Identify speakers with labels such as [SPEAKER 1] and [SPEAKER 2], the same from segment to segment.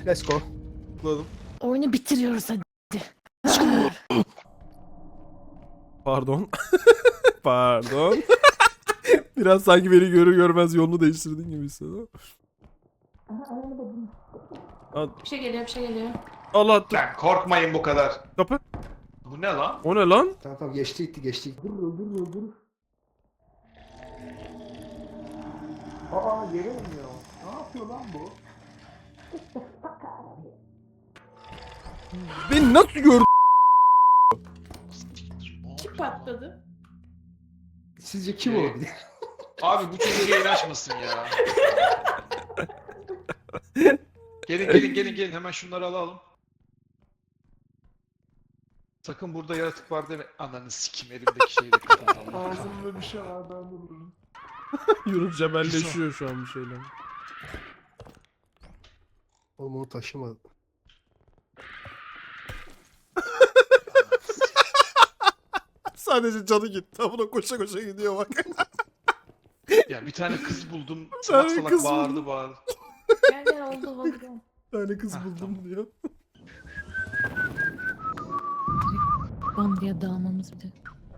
[SPEAKER 1] Let's go.
[SPEAKER 2] Tıkladım.
[SPEAKER 3] Oyunu bitiriyoruz hadi.
[SPEAKER 2] Pardon. Pardon. Biraz sanki beni görür görmez yolunu değiştirdin gibi hissediyorum.
[SPEAKER 3] Bir şey geliyor, bir şey geliyor.
[SPEAKER 2] Allah attı.
[SPEAKER 4] Lan korkmayın bu kadar.
[SPEAKER 2] Kapı.
[SPEAKER 4] Bu ne lan?
[SPEAKER 2] O ne lan?
[SPEAKER 1] Tamam geçti gitti geçti gitti. Dur. Aa yere iniyor. Ne yapıyor lan bu?
[SPEAKER 2] Beni nasıl gördü?
[SPEAKER 3] Kim patladı?
[SPEAKER 1] Sizce kim olabilir?
[SPEAKER 4] Abi bu çocuk yayın açmasın ya. Gelin hemen şunları alalım. Sakın burada yaratık var deme. Ananı sikim elimdeki şeyi de kapatalım.
[SPEAKER 1] Ağzımda bir şey var ben de vururum.
[SPEAKER 2] Yunus cebelleşiyor şu an bir şeyle.
[SPEAKER 1] Oğlum onu taşımadım.
[SPEAKER 2] Sadece canı gitti. Buna koşa koşa gidiyor bak.
[SPEAKER 4] Ya bir tane kız buldum.
[SPEAKER 2] tane
[SPEAKER 4] Salak salak
[SPEAKER 2] kız
[SPEAKER 4] bağırdı
[SPEAKER 2] buldum.
[SPEAKER 4] bağırdı.
[SPEAKER 3] Gel oldu.
[SPEAKER 2] Bir tane kız buldum
[SPEAKER 4] tamam.
[SPEAKER 2] diyor.
[SPEAKER 3] Bandıya dağılmamız bir de.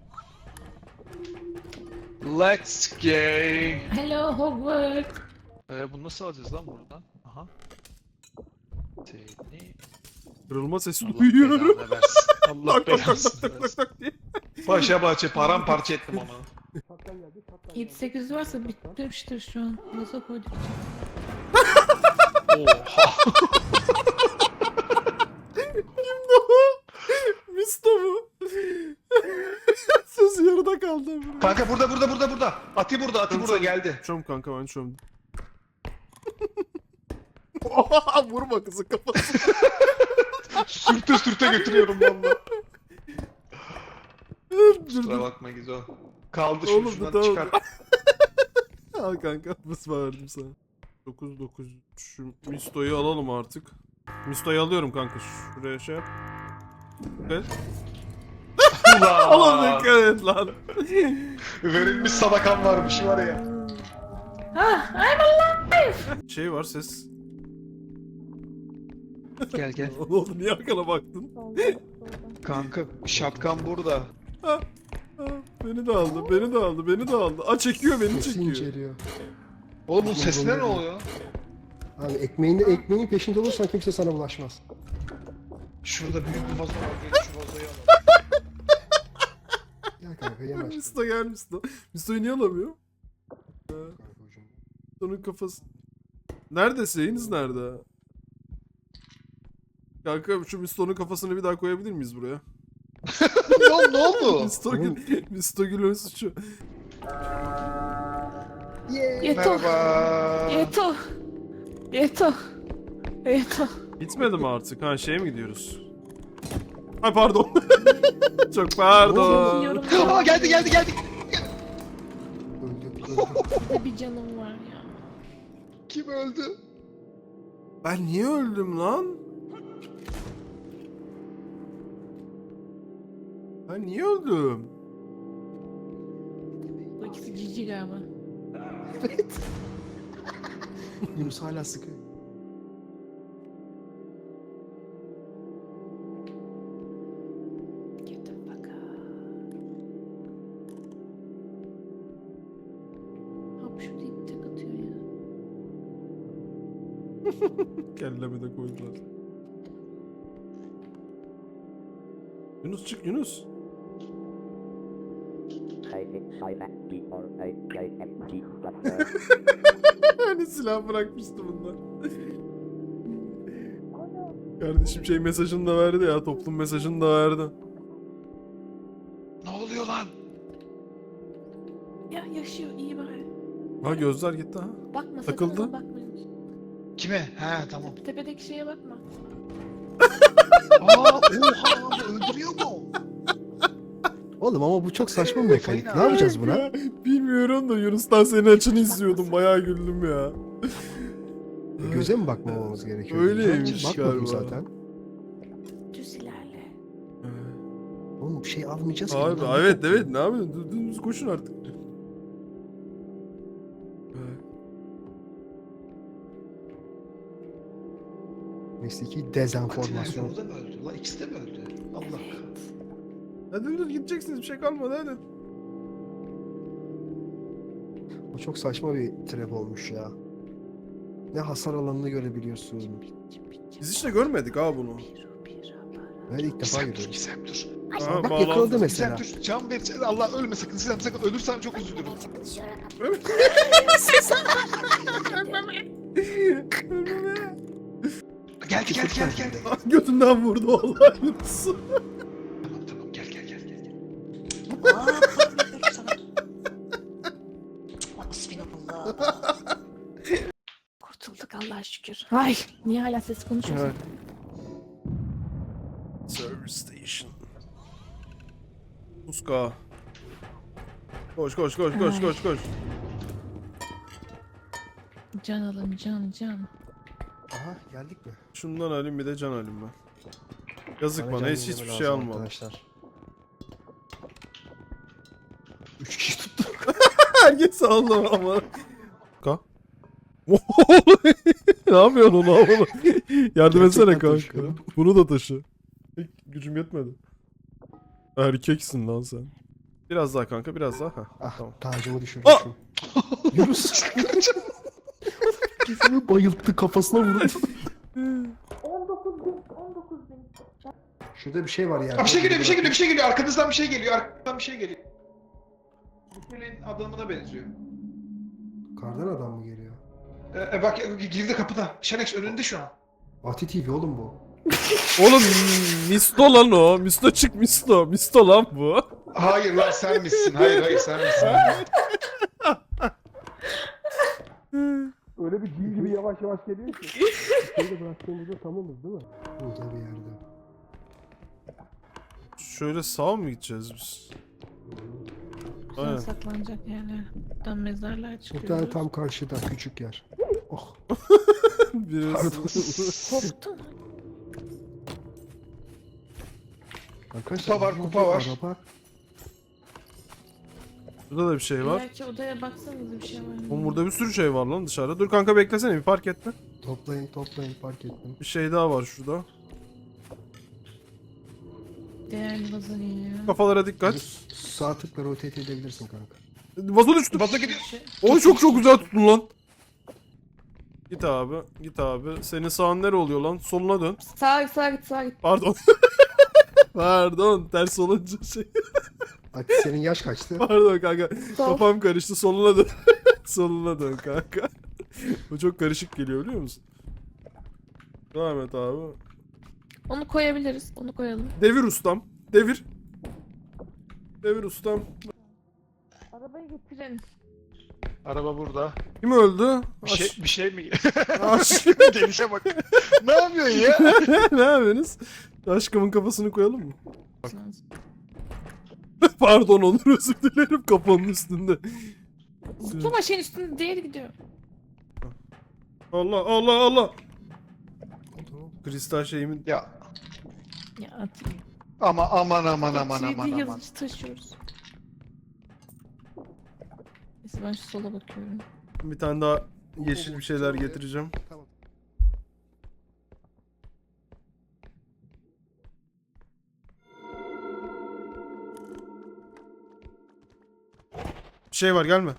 [SPEAKER 4] Let's go.
[SPEAKER 3] Hello Hogwarts.
[SPEAKER 4] Bunu nasıl alacağız lan buradan? Aha. Seni...
[SPEAKER 2] Kırılma sesi
[SPEAKER 4] Allah
[SPEAKER 2] duyuyorum.
[SPEAKER 4] belanı versin. Allah
[SPEAKER 2] Tak tak tak
[SPEAKER 4] belasını
[SPEAKER 2] tak tak
[SPEAKER 4] versin.
[SPEAKER 2] tak diye.
[SPEAKER 4] Başa bahçe paramparça ettim onu.
[SPEAKER 3] 7-8 varsa bitmiştir şu an. Nasıl koyduk için?
[SPEAKER 4] Oha.
[SPEAKER 2] Misto mu? Söz yarıda kaldı.
[SPEAKER 4] Kanka burada. Ati burada geldi.
[SPEAKER 2] Çöm kanka ben çömdüm. Oha, vurma kızın kafasına.
[SPEAKER 4] Sürte götürüyorum valla. Kusura
[SPEAKER 2] Dur.
[SPEAKER 4] bakma Gizo. Kaldı
[SPEAKER 2] Oğlum,
[SPEAKER 4] şuradan
[SPEAKER 2] tamam.
[SPEAKER 4] çıkar.
[SPEAKER 2] Al kanka mısma verdim sana. 9 şu Misto'yu alalım artık. Misto'yu alıyorum kanka şuraya şey yap. Evet. Oğlum
[SPEAKER 4] Ulan.
[SPEAKER 2] dikkat et lan.
[SPEAKER 4] Verilmiş sadakan varmış var ya.
[SPEAKER 3] Ah, I'm alive.
[SPEAKER 2] Şey var ses.
[SPEAKER 4] Gel.
[SPEAKER 2] Oğlum niye arkana baktın?
[SPEAKER 4] Kanka şapkan burada.
[SPEAKER 2] Ha, beni de aldı. Aa çekiyor beni
[SPEAKER 1] Sesi
[SPEAKER 2] çekiyor.
[SPEAKER 1] inceliyor.
[SPEAKER 4] Oğlum bu sesine ne oluyor?
[SPEAKER 1] Abi ekmeğin peşinde olursan kimse sana bulaşmaz.
[SPEAKER 4] Şurada büyük bir vazo var. Gel şu vazoyu alalım.
[SPEAKER 1] Gel kanka yanaş.
[SPEAKER 2] Misto gel Misto. Misto'yu niye alamıyor? Misto'nun kafası. Nerede şeyiniz nerede? Kanka şu Misto'nun kafasını bir daha koyabilir miyiz buraya?
[SPEAKER 4] Ne oldu?
[SPEAKER 2] Misto Gül'ün suçu.
[SPEAKER 3] Yeto.
[SPEAKER 4] Merhaba.
[SPEAKER 3] Yeto.
[SPEAKER 2] Bitmedi mi artık? Ha şeye mi gidiyoruz? Ay pardon. Çok pardon.
[SPEAKER 3] Yiyorum.
[SPEAKER 4] Aa geldi.
[SPEAKER 1] Öldü.
[SPEAKER 3] Bir canım var ya.
[SPEAKER 4] Kim öldü?
[SPEAKER 2] Ben niye öldüm lan? Ben niye öldüm?
[SPEAKER 3] Bu ikisi cici galiba.
[SPEAKER 1] Evet. Yunus hala sıkıyor.
[SPEAKER 3] Get the fuck out. Hop şu deyip tek atıyor ya.
[SPEAKER 2] Kelleme de koydular. Yunus çık Yunus. Hani silah bırakmıştı bunlar. Kardeşim şey mesajını da verdi ya, toplum mesajını da verdi.
[SPEAKER 4] Ne oluyor lan?
[SPEAKER 3] Ya yaşıyor iyi bari.
[SPEAKER 2] Ha gözler gitti ha.
[SPEAKER 3] Bakma
[SPEAKER 2] Takıldı.
[SPEAKER 3] sakın ona bakmayın.
[SPEAKER 4] Kime? He tamam.
[SPEAKER 3] Tepedeki şeye bakma.
[SPEAKER 4] Oha öldürüyor mu?
[SPEAKER 1] Oğlum ama bu çok saçma bir mekanik. Ne yapacağız buna?
[SPEAKER 2] Ya, bilmiyorum da Yunus'tan senin açını izliyordum. Bayağı güldüm ya.
[SPEAKER 1] Göze mi bakmamamız gerekiyor?
[SPEAKER 2] Öyleymiş
[SPEAKER 1] Bakmadım
[SPEAKER 2] galiba.
[SPEAKER 1] zaten.
[SPEAKER 3] Düz ilerle.
[SPEAKER 1] Oğlum bir şey almayacağız ki.
[SPEAKER 2] Abi
[SPEAKER 1] bundan.
[SPEAKER 2] evet ne yapıyorsun? Dümdüz koşun artık.
[SPEAKER 5] Mesleki dezenformasyon.
[SPEAKER 4] O da mı öldü? La ikisi de mi öldü? Allah kahretsin.
[SPEAKER 2] Hadi dur gideceksiniz bir şey kalmadı hadi.
[SPEAKER 5] O çok saçma bir trap olmuş ya. Ne hasar alanını görebiliyorsun.
[SPEAKER 2] Biz işte görmedik ha bunu.
[SPEAKER 5] Ben ilk defa
[SPEAKER 4] Gizem dur,
[SPEAKER 5] görüyorum.
[SPEAKER 4] Gizem dur.
[SPEAKER 2] Aha,
[SPEAKER 5] Bak
[SPEAKER 2] bağlandı.
[SPEAKER 5] yakaladı
[SPEAKER 4] Gizem
[SPEAKER 5] mesela.
[SPEAKER 4] dur, can ver. Allah ölme sakın. Gizem sakın. Ölürsen çok üzülürüm. Geldi geldi geldi geldi.
[SPEAKER 2] Götünden vurdu vallahi.
[SPEAKER 4] Tamam tamam gel gel gel gel.
[SPEAKER 3] Bismillah. Kurtulduk Allah'a şükür. Ay niye hala ses konuşuyorsun?
[SPEAKER 2] Service station. Muska. Koş koş koş koş
[SPEAKER 3] Ay.
[SPEAKER 2] koş koş.
[SPEAKER 3] Can alın can.
[SPEAKER 5] Aha geldik mi?
[SPEAKER 2] Şundan alayım bir de can alayım ben. Yazık bana
[SPEAKER 5] can
[SPEAKER 2] hiç
[SPEAKER 5] yenileme
[SPEAKER 2] hiçbir şey
[SPEAKER 5] lazım
[SPEAKER 2] almadım.
[SPEAKER 5] arkadaşlar. 3 kişi tuttuk.
[SPEAKER 2] Herkes aldı ama. Ka. Ne yapıyorsun onu havalı? Yardım etsene
[SPEAKER 5] Gerçekten
[SPEAKER 2] kanka.
[SPEAKER 5] taşıyorum.
[SPEAKER 2] Bunu da taşı. Gücüm yetmedi. Erkeksin lan sen. Biraz daha kanka biraz daha. Heh,
[SPEAKER 5] Ah
[SPEAKER 2] tamam.
[SPEAKER 5] tacımı düşürdüm.
[SPEAKER 2] Ah!
[SPEAKER 5] Yunus. Gizem'i bayılttı kafasına vurdu.
[SPEAKER 3] 19.000.
[SPEAKER 5] Şurada bir şey var yani.
[SPEAKER 4] Aa, bir şey geliyor bir şey geliyor bir şey geliyor. Arkanızdan bir şey geliyor. Arkadan bir şey geliyor. Bu kulenin adamına benziyor.
[SPEAKER 5] Kardan adam mı geliyor?
[SPEAKER 4] Bak girdi kapıda. Şenex önünde şu an.
[SPEAKER 5] Ati TV oğlum bu.
[SPEAKER 2] Oğlum Misto lan o. Misto çık Misto. Misto lan bu.
[SPEAKER 4] Hayır lan sen misin? Hayır sen misin?
[SPEAKER 1] Öyle bir cin gibi yavaş yavaş geliyor ki.
[SPEAKER 5] Şeyi de bıraktığımızda tamamız değil mi? Burada bir yerde.
[SPEAKER 2] Şöyle sağ mı gideceğiz biz?
[SPEAKER 3] Güzel
[SPEAKER 2] Aynen.
[SPEAKER 3] saklanacak yerler. Buradan mezarlar
[SPEAKER 5] Bir
[SPEAKER 3] çıkıyor.
[SPEAKER 5] tane tam karşıda küçük yer. Oh
[SPEAKER 2] Biraz...
[SPEAKER 5] pardon.
[SPEAKER 3] Koptu.
[SPEAKER 5] Arkadaşlar
[SPEAKER 4] Kupa var, kupa var.
[SPEAKER 5] Araba.
[SPEAKER 2] Burada da bir şey var.
[SPEAKER 3] Belki odaya baksanıza bir şey var mı?
[SPEAKER 2] Oğlum burada bir sürü şey var lan dışarıda. Dur kanka beklesene bir fark etme.
[SPEAKER 5] Toplayın fark ettim.
[SPEAKER 2] Bir şey daha var şurada.
[SPEAKER 3] Değerli vazalıyor.
[SPEAKER 2] Kafalara dikkat.
[SPEAKER 5] Sağ tıkla rotate edebilirsin kanka.
[SPEAKER 2] Vazo düştü.
[SPEAKER 4] Vazo gidiyor.
[SPEAKER 2] Oy çok güzel tuttun lan. Git abi, git abi. Senin sağın nere oluyor lan? Soluna dön.
[SPEAKER 3] Sağa git.
[SPEAKER 2] Pardon. Pardon, ters olunca şey.
[SPEAKER 5] Ati senin yaş kaçtı?
[SPEAKER 2] Pardon kanka.
[SPEAKER 3] Sol.
[SPEAKER 2] Kafam karıştı. Soluna dön. Soluna dön kanka. Bu çok karışık geliyor biliyor musun? Devam et abi.
[SPEAKER 3] Onu koyabiliriz. Onu koyalım.
[SPEAKER 2] Devir ustam. Devir. Devir ustam.
[SPEAKER 3] Arabayı getirin.
[SPEAKER 4] Araba burada.
[SPEAKER 2] Kim öldü?
[SPEAKER 4] Bir şey mi?
[SPEAKER 2] Aş.
[SPEAKER 4] Gelişe bak. Ne yapıyorsun ya?
[SPEAKER 2] Ne yapıyorsunuz? Aşkımın kafasını koyalım mı? Pardon Onur özür dilerim kafanın üstünde.
[SPEAKER 3] Zıplama şeyin üstünde diğeri gidiyor.
[SPEAKER 2] Allah Allah Allah. Kristal şeyimin
[SPEAKER 4] Ya
[SPEAKER 3] Ya atayım.
[SPEAKER 4] aman.
[SPEAKER 3] Yazıcı taşıyoruz. Neyse ben şu sola bakıyorum.
[SPEAKER 2] bir tane daha yeşil bir şeyler getireceğim.
[SPEAKER 5] Tamam.
[SPEAKER 2] Bir şey var gelme.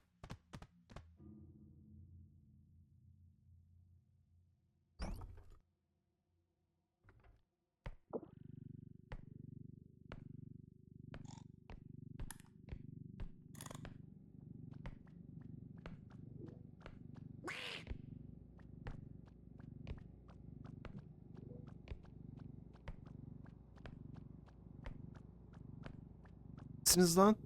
[SPEAKER 2] Siniz lan.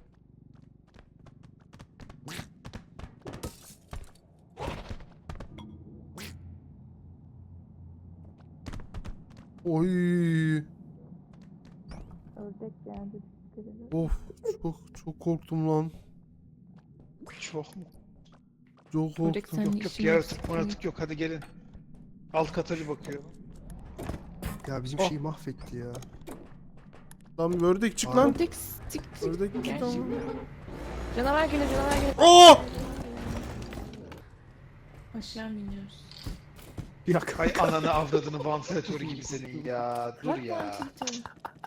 [SPEAKER 2] Oy.
[SPEAKER 3] Ördek geldi.
[SPEAKER 2] Of çok korktum lan.
[SPEAKER 4] Çok mu?
[SPEAKER 2] Çok
[SPEAKER 3] Ördek
[SPEAKER 2] korktum.
[SPEAKER 3] sen
[SPEAKER 4] Yok
[SPEAKER 3] işin
[SPEAKER 4] yaratık maratık yok hadi gelin. Alt kata bir bakıyor.
[SPEAKER 5] Ya bizim
[SPEAKER 2] Oh.
[SPEAKER 5] şeyi mahvetti ya.
[SPEAKER 2] Lan ördek çık lan.
[SPEAKER 3] Ördek çık.
[SPEAKER 2] Ördek çık
[SPEAKER 3] Gel
[SPEAKER 2] lan.
[SPEAKER 3] şimdi. Canavar geliyor.
[SPEAKER 2] Aa!
[SPEAKER 3] Aşağı mı iniyoruz?
[SPEAKER 5] Yak.
[SPEAKER 4] Ay ananı avradını vantilatörü gibi senin ya. Dur
[SPEAKER 3] Bak
[SPEAKER 4] ya.
[SPEAKER 3] vantilatörü.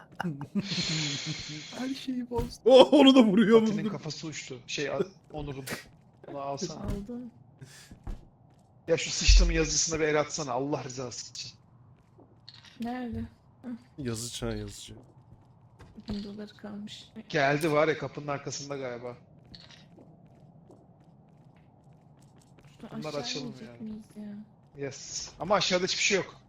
[SPEAKER 5] Her şeyi bozdu.
[SPEAKER 2] Oh, onu da vuruyor
[SPEAKER 4] Atinin
[SPEAKER 2] mu?
[SPEAKER 4] kafası uçtu. Onur'un. Onu alsana.
[SPEAKER 3] Aldım.
[SPEAKER 4] Ya şu sıçtığımın yazısına bir el atsana Allah rızası için.
[SPEAKER 3] Nerede?
[SPEAKER 2] Yazıcı ha, yazıcı.
[SPEAKER 3] 1000 doları kalmış.
[SPEAKER 4] Geldi var ya kapının arkasında galiba. Bunlar
[SPEAKER 3] Aşağı
[SPEAKER 4] açalım
[SPEAKER 3] inecek
[SPEAKER 4] yani.
[SPEAKER 3] miyiz ya?
[SPEAKER 4] Yes. Ama aşağıda hiçbir şey yok.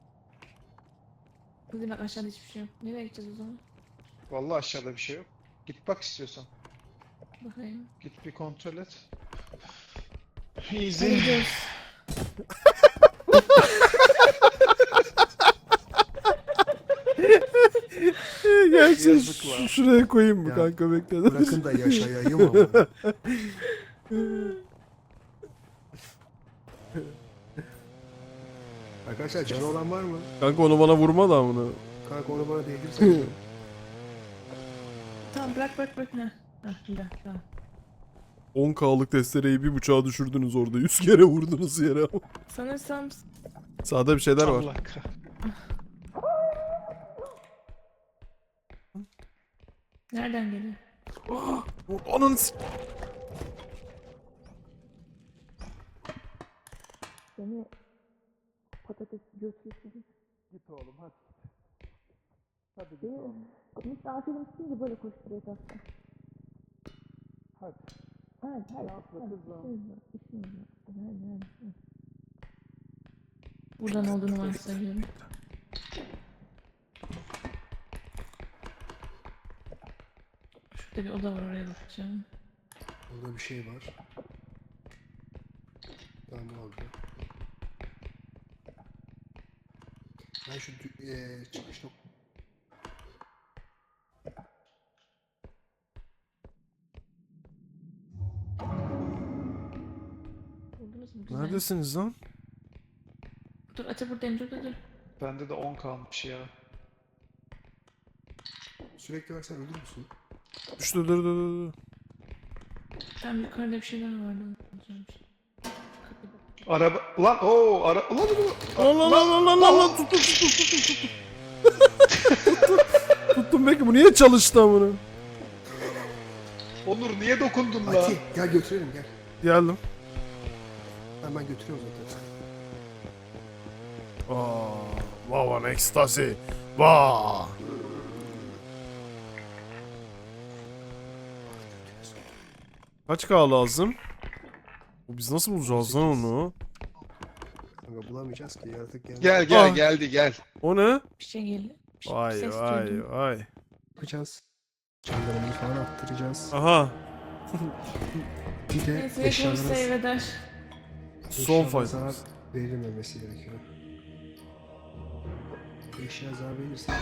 [SPEAKER 3] Kızım bak aşağıda hiçbir şey yok. Nereye gideceğiz o zaman?
[SPEAKER 4] Vallahi aşağıda bir şey yok. Git bak istiyorsan.
[SPEAKER 3] Bakayım.
[SPEAKER 4] Git bir kontrol et.
[SPEAKER 3] Hadi
[SPEAKER 4] Easy.
[SPEAKER 3] gidiyoruz.
[SPEAKER 2] Gerçi
[SPEAKER 4] Yazık var.
[SPEAKER 2] şuraya koyayım mı
[SPEAKER 5] Ya,
[SPEAKER 2] kanka, bekle.
[SPEAKER 5] Bırakın da yaşayayım ama. Arkadaşlar canı olan var mı?
[SPEAKER 2] Kanka onu bana vurma da amına.
[SPEAKER 5] Kanka onu bana değdirsene.
[SPEAKER 3] Tamam bırak. Heh bir dakika.
[SPEAKER 2] 10K'lık testereyi bir bıçağa düşürdünüz orada. 100 kere vurdunuz yere.
[SPEAKER 3] Sanırsam
[SPEAKER 2] Sağda bir şeyler var.
[SPEAKER 4] Allah kah.
[SPEAKER 3] nereden geliyor?
[SPEAKER 2] Ananı
[SPEAKER 3] Seni patates götürsün.
[SPEAKER 1] Git oğlum hadi. Hadi git
[SPEAKER 3] Değil
[SPEAKER 1] oğlum.
[SPEAKER 3] mi? Misafirim çıkınca böyle koşturuyor tatlım.
[SPEAKER 1] Hadi.
[SPEAKER 3] Hadi.
[SPEAKER 1] Yapma kızım.
[SPEAKER 3] İşimiz var. Hadi. Buradan olduğunu varsayıyorum. Şurada bir oda var, oraya bakacağım.
[SPEAKER 5] Burada bir şey var. Tamam oldu. Ben şu çıkış
[SPEAKER 3] Buldunuz mu? Güzel.
[SPEAKER 2] Neredesiniz lan?
[SPEAKER 3] Dur Ate buradayım, dur.
[SPEAKER 4] Bende de 10 kalmış ya.
[SPEAKER 5] sürekli versen ölür müsün?
[SPEAKER 2] Düştü, dur.
[SPEAKER 3] Tam yukarıda bir şeyler vardı. Alacağım bir şey.
[SPEAKER 4] Araba... Ulan ooo ara... Ulan
[SPEAKER 2] Lan tuttum. Tuttum, belki bu niye çalıştı amına?
[SPEAKER 4] Onur niye dokundun la?
[SPEAKER 5] Ati gel götürelim gel.
[SPEAKER 2] Geldim.
[SPEAKER 5] Ben götürüyorum zaten.
[SPEAKER 2] Wow, an ecstasy. Wow. Kaç K lazım? Biz nasıl bulacağız lan onu?
[SPEAKER 5] Kanka bulamayacağız ki yaratık geldi.
[SPEAKER 4] Gel
[SPEAKER 2] Ah.
[SPEAKER 4] gel.
[SPEAKER 2] O ne?
[SPEAKER 3] Bir şey geldi.
[SPEAKER 2] Vay
[SPEAKER 3] ses
[SPEAKER 2] vay
[SPEAKER 3] duydum.
[SPEAKER 2] vay.
[SPEAKER 5] Yapacağız. Canlarımızı falan attıracağız.
[SPEAKER 2] Aha.
[SPEAKER 5] Bir de
[SPEAKER 3] Neyse hepimiz
[SPEAKER 5] eşyalara
[SPEAKER 3] save eder.
[SPEAKER 2] Son fight.
[SPEAKER 5] zarar verilmemesi gerekiyor. Eşya zarar verirse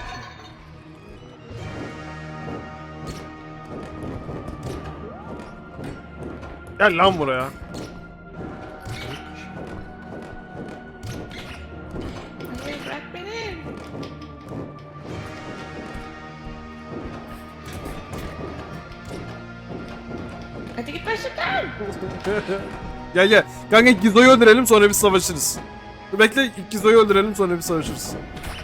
[SPEAKER 2] Gel lan buraya.
[SPEAKER 3] Hayır bırak beni. Hadi git başımdan.
[SPEAKER 2] Gel. Kanka ilk Gizo'yu öldürelim, sonra biz savaşırız. Dur bekle, ilk Gizo'yu öldürelim, sonra biz savaşırız.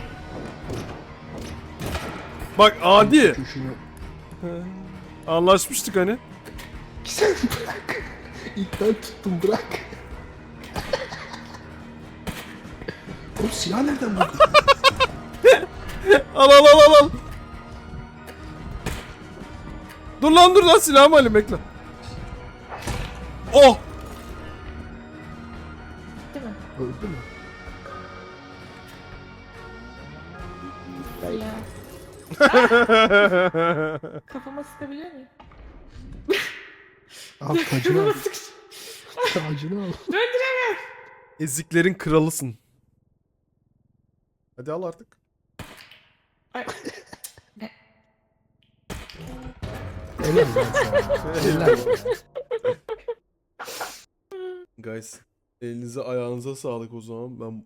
[SPEAKER 2] Bak adi.
[SPEAKER 5] Şunu
[SPEAKER 2] Anlaşmıştık hani.
[SPEAKER 5] sen bırak. İlk ben tuttum bırak. Oğlum silah nereden buldun?
[SPEAKER 2] Al. Dur lan silahımı alayım, bekle. Oh!
[SPEAKER 3] Değil mi?
[SPEAKER 5] Öldü mü?
[SPEAKER 3] Ya. Kafama sıkabiliyor muyum?
[SPEAKER 5] Al tacını al. Tacını al.
[SPEAKER 3] Döndüremem.
[SPEAKER 2] Eziklerin kralısın. Hadi al artık.
[SPEAKER 3] Ay.
[SPEAKER 5] Helal lan sana. Helal.
[SPEAKER 2] Guys, elinize ayağınıza sağlık o zaman. Ben